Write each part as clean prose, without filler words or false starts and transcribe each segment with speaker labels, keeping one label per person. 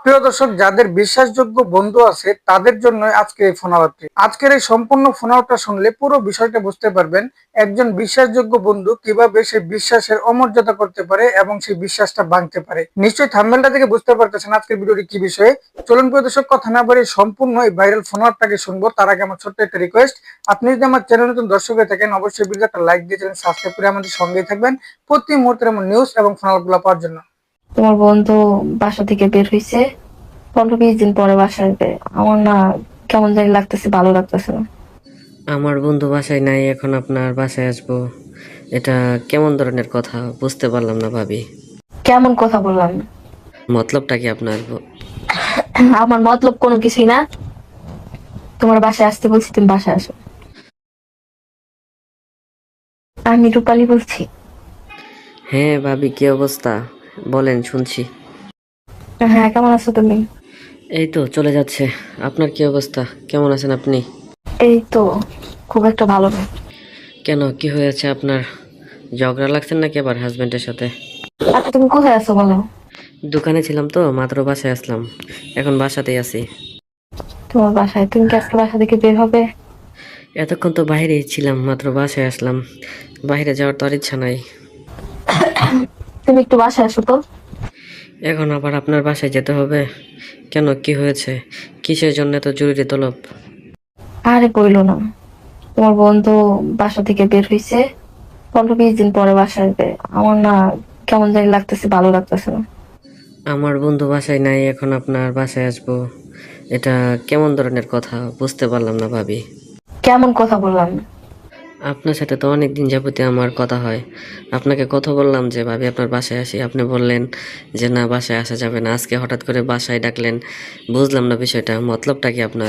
Speaker 1: প্রিয় দর্শক, যাদের বিশ্বাসযোগ্য বন্ধু আছে তাদের জন্য আজকে এই ফোন আলাপটি। আজকের এই সম্পূর্ণ ফোন আলাপটা শুনলে পুরো বিষয়টা বুঝতে পারবেন একজন বিশ্বাসযোগ্য বন্ধু কিভাবে সে বিশ্বাসের অমর্যাদা করতে পারে এবং সেই বিশ্বাসটা ভাঙতে পারে। নিশ্চয়ই থাম্বনেলটা থেকে বুঝতে পারতেছেন আজকের ভিডিওটি কি বিষয়ে। চলুন প্রিয় দর্শক, কথা না বাড়িয়ে সম্পূর্ণ এই ভাইরাল ফোন আলাপটাকে শুনবো। তার আগে আমার ছোট্ট একটা রিকোয়েস্ট, আপনি যদি আমার চ্যানেল নতুন দর্শক হয়ে থাকেন অবশ্যই ভিডিওটা একটা লাইক দিয়ে চ্যানেল সাবস্ক্রাইব করে আমাদের সঙ্গেই থাকবেন প্রতি মুহূর্তের এমন নিউজ এবং ফোন আলাপগুলো পাওয়ার জন্য।
Speaker 2: তোমার বন্ধু বাসা থেকে বের হয়েছে, 15-20 দিন পরে বাসায় আসবে। আমার না কেমন জানি লাগতেছে, ভালো লাগতেছে না।
Speaker 3: আমার বন্ধু বাসায় নাই, এখন আপনার বাসায় আসবো, এটা কেমন ধরনের কথা বুঝতে পারলাম না ভাবি।
Speaker 2: কেমন কথা বললাম?
Speaker 3: মতলবটা কি আপনার?
Speaker 2: আমার মতলব কোনো কিছুই না। তোমার বাসায় আসতে বলছি, তুমি বাসায় আসো। আমি রূপালী বলছি।
Speaker 3: হ্যাঁ ভাবি, কি অবস্থা বলেন, শুনছি।
Speaker 2: হ্যাঁ, কেমন আছো তুমি?
Speaker 3: এই তো চলে যাচ্ছে। আপনার কি অবস্থা, কেমন আছেন আপনি?
Speaker 2: এই তো খুব একটা ভালো না।
Speaker 3: কেন, কি হয়েছে আপনার? ঝগড়া লাগছেন নাকি আবার হাজবেন্ডের সাথে?
Speaker 2: আচ্ছা, তুমি কোথায় আছো বলো?
Speaker 3: দোকানে ছিলাম তো, মাত্র বাসায় আসলাম, এখন বাসাতেই আছি।
Speaker 2: তোমার বাসায়? তুমি কি আজকে বাসা থেকে বের হবে?
Speaker 3: এতক্ষণ তো বাইরেই ছিলাম, মাত্র বাসায় আসলাম, বাইরে যাওয়ার তো আর ইচ্ছা নাই।
Speaker 2: তুমি একটু বাসায় আসো তো।
Speaker 3: এখন আবার আপনার বাসায় যেতে হবে কেন, কি হয়েছে, কিসের জন্য এত জরুরি তলব?
Speaker 2: আরে বইলো না, তোমার বন্ধু বাসা থেকে বের হয়েছে, 15-20 দিন পরে বাসায় আসবে। আমার না কেমন জানি লাগতেছে, ভালো লাগতেছে না।
Speaker 3: আমার বন্ধু বাসায় নাই, এখন আপনার বাসায় আসবো, এটা কেমন ধরনের কথা বুঝতে পারলাম না ভাবি।
Speaker 2: কেমন কথা বললাম?
Speaker 3: আপনার সাথে তো অনেক দিন যাবতীয় আমার কথা হয়, আপনাকে কথা বললাম যে ভাবি আপনার বাসায় আসি, আপনি বললেন যে না বাসায় আসা যাবে না, আজকে হঠাৎ করে বাসায় ডাকলেন, বুঝলাম না বিষয়টা, মতলবটা কি আপনার?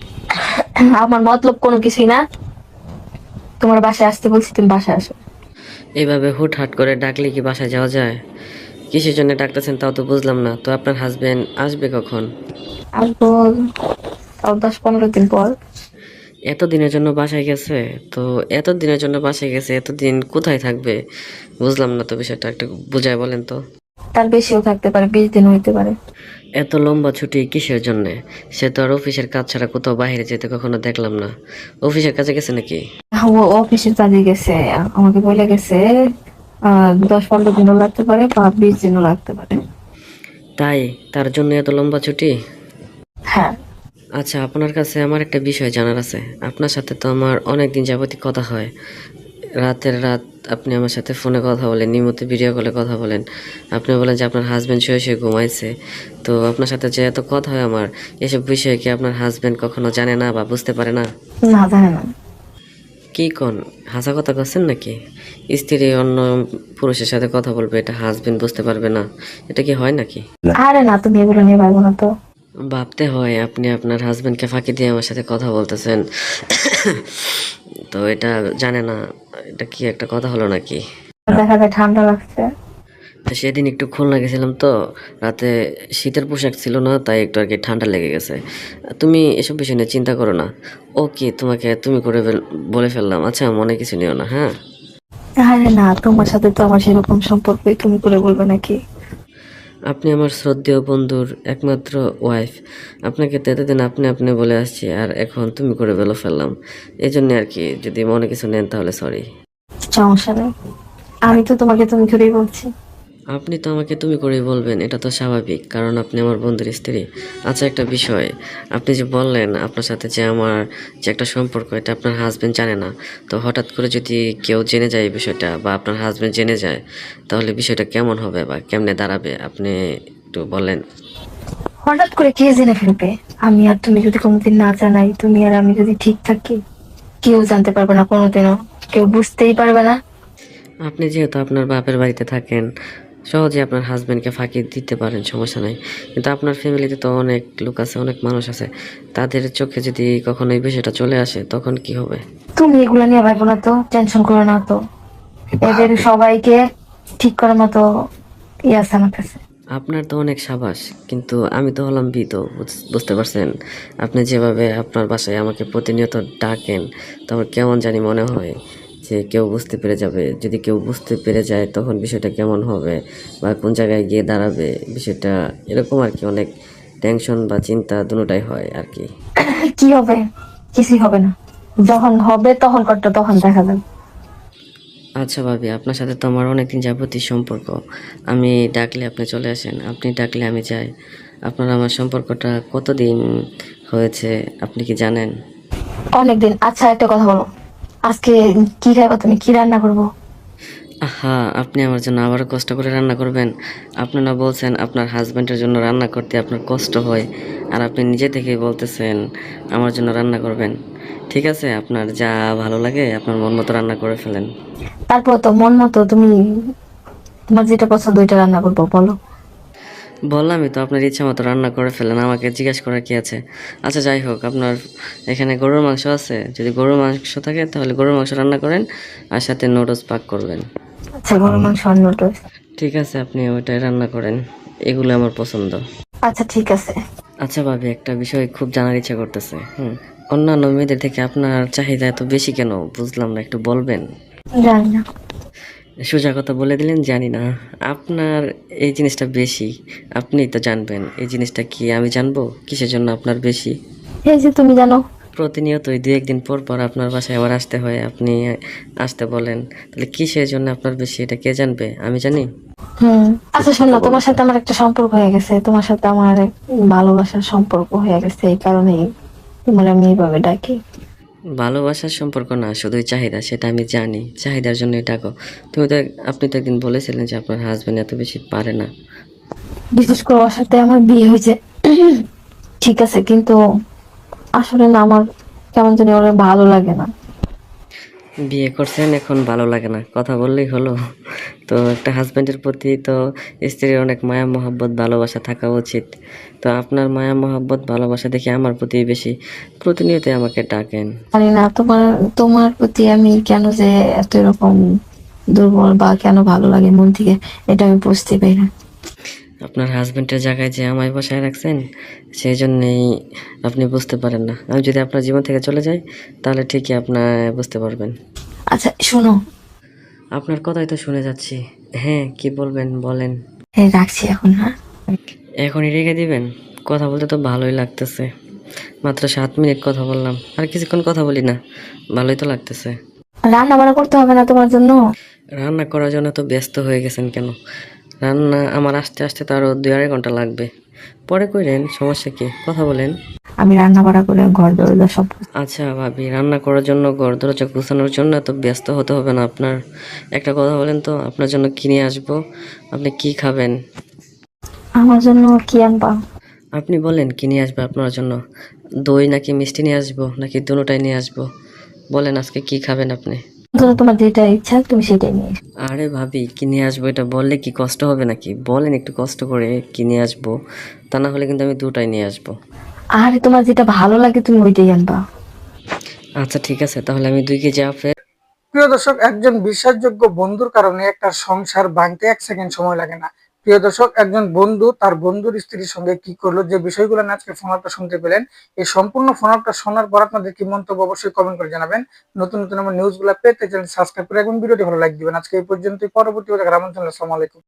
Speaker 2: আমার মতলব কোনো কিছুই না। তোমার বাসায় আসতে বলছি, তুমি বাসায় আসো।
Speaker 3: এইভাবে হুটহাট করে ডাকলে কি বাসায় যাওয়া যায়? কিসের জন্য ডাকতেছেন তাও তো বুঝলাম না। তো আপনার হাজবেন্ড আসবে কখন?
Speaker 2: আসবো তাও 10-15 দিন পর।
Speaker 3: এত দিনের জন্য বাসায় গেছে? তো এত দিনের জন্য বাসায় গেছে, এতদিন কোথায় থাকবে বুঝলাম না তো বিষয়টা, একটু বুঝায় বলেন তো।
Speaker 2: তার বেশিও থাকতে পারে, 20 দিন হইতে পারে।
Speaker 3: এত লম্বা ছুটি কিসের জন্যে? সে তো আর অফিসের কাজ ছাড়া কোথাও বাইরে যেতে কখনো দেখলাম না। অফিসের কাছে গেছে নাকি?
Speaker 2: ও অফিসের কাজে গেছে, আমাকে বলে গেছে 10-15 দিনও লাগতে পারে বা 20 দিনও লাগতে পারে।
Speaker 3: তাই? তার জন্য এত লম্বা ছুটি?
Speaker 2: হ্যাঁ।
Speaker 3: আচ্ছা, আপনার কাছে আমার একটা বিষয় জানার আছে। আপনার সাথে তো আমার অনেক দিন যাবতীয় কথা হয়, রাতের রাত আপনি আমার সাথে ফোনে কথা বলেন, নিয়মিত ভিডিও কলে কথা বলেন। আপনি বলেন যে আপনার হাজব্যান্ড শুয়ে শুয়ে ঘুমাইছে। তো আপনার সাথে যে এত কথা হয় আমার, এসব বিষয়ে কি আপনার হাজব্যান্ড কখনো জানে না বা বুঝতে পারে না?
Speaker 2: না, জানে না।
Speaker 3: কি কোন, হাসা কথা করছেন নাকি? স্ত্রী অন্য পুরুষের সাথে কথা বলবে, এটা হাজব্যান্ড বুঝতে পারবে না? এটা কি হয় নাকি?
Speaker 2: আরে না, তুমি এগুলো নিয়ে ভাবো না তো।
Speaker 3: ভাবতে হয়, আপনি আপনার হাজব্যান্ডকে ফাঁকি দিয়ে আমার সাথে কথা বলতেছেন। তো এটা জানে না, এটা কি একটা কথা হলো নাকি?
Speaker 2: দেখা যায় ঠান্ডা লাগছে।
Speaker 3: তো সেদিন একটু খুলনা গেছিলাম তো, রাতে শীতের পোশাক ছিল না, তাই একটু আর কি ঠান্ডা লেগে গেছে। তুমি এসব বিষয় নিয়ে চিন্তা করো না। ও কি, তোমাকে তুমি করে বলে ফেললাম, আচ্ছা মনে কিছু নিও না, হ্যাঁ?
Speaker 2: আরে না, তোমার সাথে তো আমার সেরকম সম্পর্কই, তুমি করে বলবে নাকি?
Speaker 3: আপনি আমার শ্রদ্ধেয় বন্ধুর একমাত্র ওয়াইফ, আপনাকে তো এতদিন আপনি আপনি বলে আসছি, আর এখন তুমি করে বলে ফেললাম। এই জন্য আর কি, যদি মনে কিছু নেন তাহলে সরি।
Speaker 2: সমস্যা নেই, আমি তো তোমাকে তুমি করেই বলছি।
Speaker 3: আপনি তো আমাকে তুমি করেই বলবেন, এটা তো স্বাভাবিক, কারণ আপনি আমার বন্ধুর স্ত্রী। আচ্ছা একটা বিষয়, আপনি যে বললেন আপনার সাথে যে আমার যে একটা সম্পর্ক, এটা আপনার হাজবেন্ড জানে না। তো হঠাৎ করে যদি কেউ জেনে যায় এই বিষয়টা, বা আপনার হাজবেন্ড জেনে যায়, তাহলে বিষয়টা কেমন হবে বা কেমনে দাঁড়াবে আপনি একটু বলেন।
Speaker 2: হঠাৎ করে কে জেনে ফেলবে? আমি আর তুমি যদি কোনোদিন না জানাই, তুমি আর আমি যদি ঠিক থাকি, কেউ জানতে পারবে না কোনোদিনও, কেউ বুঝতেই পারবে না।
Speaker 3: আপনি যেহেতু আপনার বাপের বাড়িতে থাকেন, সহজে আপনার হাজবেন্ডকে ফাঁকি দিতে পারেন, সমস্যা নাই। কিন্তু আপনার ফ্যামিলিতে তো অনেক লোক আছে, অনেক মানুষ আছে, তাদের চোখে যদি কখনো এই বিষয়টা চলে আসে তখন কি হবে?
Speaker 2: তুমি এগুলা নিয়ে ভাবো না তো, টেনশন করো না তো। এদের সবাইকে ঠিক করার মতো ইয়ে আছে আমার কাছে।
Speaker 3: আপনার তো অনেক সাবাস, কিন্তু আমি তো হলাম ভীত, বুঝতে পারছেন? আপনি যেভাবে আপনার বাসায় আমাকে প্রতিনিয়ত ডাকেন, তো আমার কেমন জানি মনে হয় যে কেউ বুঝতে পেরে যাবে। যদি কেউ বুঝতে পেরে যায় তখন বিষয়টা কেমন হবে বা কোন জায়গায় গিয়ে দাঁড়াবে, বিষয়টা এরকম আর কি, অনেক টেনশন বা চিন্তা দুটোটাই হয় আর কি।
Speaker 2: কি হবে? কিছুই হবে না। যখন হবে তখন তখন দেখা যাবে।
Speaker 3: আচ্ছা ভাবি, আপনার সাথে তো আমার অনেকদিন যাবতীয় সম্পর্ক। আমি ডাকলে আপনি চলে আসেন, আপনি ডাকলে আমি যাই। আপনার আমার সম্পর্কটা কতদিন হয়েছে আপনি কি জানেন?
Speaker 2: অনেকদিন। আচ্ছা একটা কথা বলো, আজকে কি খাইবা তুমি? কি রান্না করবো?
Speaker 3: আহা, আপনি আমার জন্য আবারও কষ্ট করে রান্না করবেন? আপনি না বলছেন আপনার হাজব্যান্ডের জন্য রান্না করতে আপনার কষ্ট হয়, আর আপনি নিজে থেকেই বলতেছেন আমার জন্য রান্না করবেন। ঠিক আছে, আপনার যা ভালো লাগে আপনার মন মতো রান্না করে ফেলেন।
Speaker 2: তারপর তো মন মতো তুমি তোমার যেটা পছন্দ ওইটা রান্না করবো, বলো।
Speaker 3: বললামই তো, আপনার ইচ্ছা মতো রান্না করে ফেলেন, আমাকে জিজ্ঞেস করার কি আছে? আচ্ছা যাই হোক, আপনার এখানে গরুর মাংস আছে? যদি গরুর মাংস থাকে তাহলে গরুর মাংস রান্না করেন, আর সাথে নুডলস পাক করবেন।
Speaker 2: আচ্ছা গরুর মাংস আর নুডলস।
Speaker 3: ঠিক আছে, আপনি ওইটাই রান্না করেন, এগুলো আমার পছন্দ।
Speaker 2: আচ্ছা ঠিক আছে।
Speaker 3: আচ্ছা ভাবি, একটা বিষয় খুব জানার ইচ্ছা করতেছে। অন্যান্য মেয়েদের থেকে আপনার চাহিদা এত বেশি কেন বুঝলাম না, একটু বলবেন?
Speaker 2: জানি না।
Speaker 3: সোজা কথা বলে দিলেন জানি না। আপনার এই জিনিসটা বেশি, আপনি তো জানবেন এই জিনিসটা কি আমি জানবো কিসের জন্য আপনার বেশি?
Speaker 2: এই যে তুমি জানো।
Speaker 3: প্রতিনিয়তই দুই একদিন পর পর আপনার বাসায় আবার আসতে হয়, আপনি আসতে বলেন, তাহলে কিসের জন্য আপনার বেশি এটা কে জানবে? আমি জানি।
Speaker 2: আচ্ছা শোনো, তোমার সাথে আমার একটা সম্পর্ক হয়ে গেছে, তোমার সাথে আমার এক ভালোবাসার সম্পর্ক হয়ে গেছে, এই কারণেই তোমার আমি এইভাবে ডাকি।
Speaker 3: ভালোবাসার সম্পর্ক না, শুধুই চাহিদা, সেটা আমি জানি, চাহিদার জন্যই ডাকো। তুমি তো আপনি তো একদিন বলেছিলেন যে আপনার হাজবেন্ড এত বেশি পারে না।
Speaker 2: বিশেষ করে ওর সাথে আমার বিয়ে হয়েছে ঠিক আছে, কিন্তু আসলে না আমার কেমন জানি ওর ভালো লাগে না।
Speaker 3: বিয়ে করছেন এখন ভালো লাগে না, কথা বললেই হলো? তো একটা হাজবেন্ডের প্রতি তো স্ত্রীর অনেক মায়া মহব্বত ভালোবাসা থাকা উচিত। তো আপনার মায়া মহব্বত ভালোবাসা দেখে আমার প্রতি বেশি, প্রতিনিয়ত আমাকে ডাকেন।
Speaker 2: জানি না তোমার তোমার প্রতি আমি কেন যে এত এরকম দুর্বল বা কেন ভালো লাগে মন থেকে, এটা আমি বুঝতে পারি না।
Speaker 3: আপনার হাজবেন্ডের জায়গায় যে আমায় বসায় রাখছেন, সেই জন্যেই আপনি বুঝতে পারেন না। আমি যদি আপনার জীবন থেকে চলে যাই তাহলে ঠিকই আপনার বুঝতে পারবেন।
Speaker 2: আচ্ছা শোনো,
Speaker 3: আপনার কথাই তো শুনে যাচ্ছি। হ্যাঁ, কি বলবেন বলেন।
Speaker 2: এই রাখছি এখন, হ্যাঁ।
Speaker 3: এখনই রেখে দিবেন? কথা বলতে তো ভালোই লাগতেছে, মাত্র 7 মিনিট কথা বললাম, আর কিছুক্ষণ কথা বলি না, ভালোই তো লাগতেছে।
Speaker 2: রান্না বান্না করতে হবে না তোমার জন্য?
Speaker 3: রান্না করার জন্য তো ব্যস্ত হয়ে গেছেন কেন? রান্না আমার আসতে আসতে তো আরও 2-2.5 ঘন্টা লাগবে, পরে কইরেন, সমস্যা কি? কথা বলেন।
Speaker 2: আমি রান্না বান্না করে ঘর দরজা সব।
Speaker 3: আচ্ছা ভাবি, রান্না করার জন্য ঘর দরজা গুছানোর জন্য এত ব্যস্ত হতে হবে না আপনার। একটা কথা বলেন তো, আপনার জন্য কি নিয়ে আসবো? আপনি কি খাবেন?
Speaker 2: আমার জন্য কি আনবা?
Speaker 3: আপনি বলেন কি নিয়ে আসবে আপনার জন্য? দই নাকি মিষ্টি নিয়ে আসবো, নাকি দুটোটাই নিয়ে আসবো? বলেন আজকে কি খাবেন আপনি?
Speaker 2: তোমার যেটা ইচ্ছা তুমি সেটাই নিয়ে এসো।
Speaker 3: আরে ভাবি, কি নিয়ে আসবো এটা বললে কি কষ্ট হবে নাকি? বলেন একটু কষ্ট করে কি নিয়ে আসবো, তা না হলে কিন্তু আমি দুটাই নিয়ে আসবো।
Speaker 2: আরে তোমার যেটা ভালো লাগে তুমি ওইটাই আনবা।
Speaker 3: আচ্ছা ঠিক আছে, তাহলে আমি 2 কেজি আপেল।
Speaker 1: প্রিয় দর্শক, একজন বিশ্বাসযোগ্য বন্ধুর কারণে একটা সংসার ভাঙতে 1 সেকেন্ড সময় লাগে না। প্রিয় দর্শক, একজন বন্ধু তার বন্ধুর স্ত্রীর সঙ্গে কি করলো, যে বিষয়গুলো নিয়ে আজকে ফোন আপটা শুনতে পেলেন, এই সম্পূর্ণ ফোন আপটা শোনার পর আপনাদের কি মন্তব্য অবশ্যই কমেন্ট করে জানাবেন। নতুন নতুন আমার নিউজগুলো পেতে চ্যানেল সাবস্ক্রাইব করে রাখবেন, ভিডিওটি ভালো লাইক দিবেন। আজকে এই পর্যন্তই, পরবর্তী দেখার আমন্ত্রণ। আসসালামু আলাইকুম।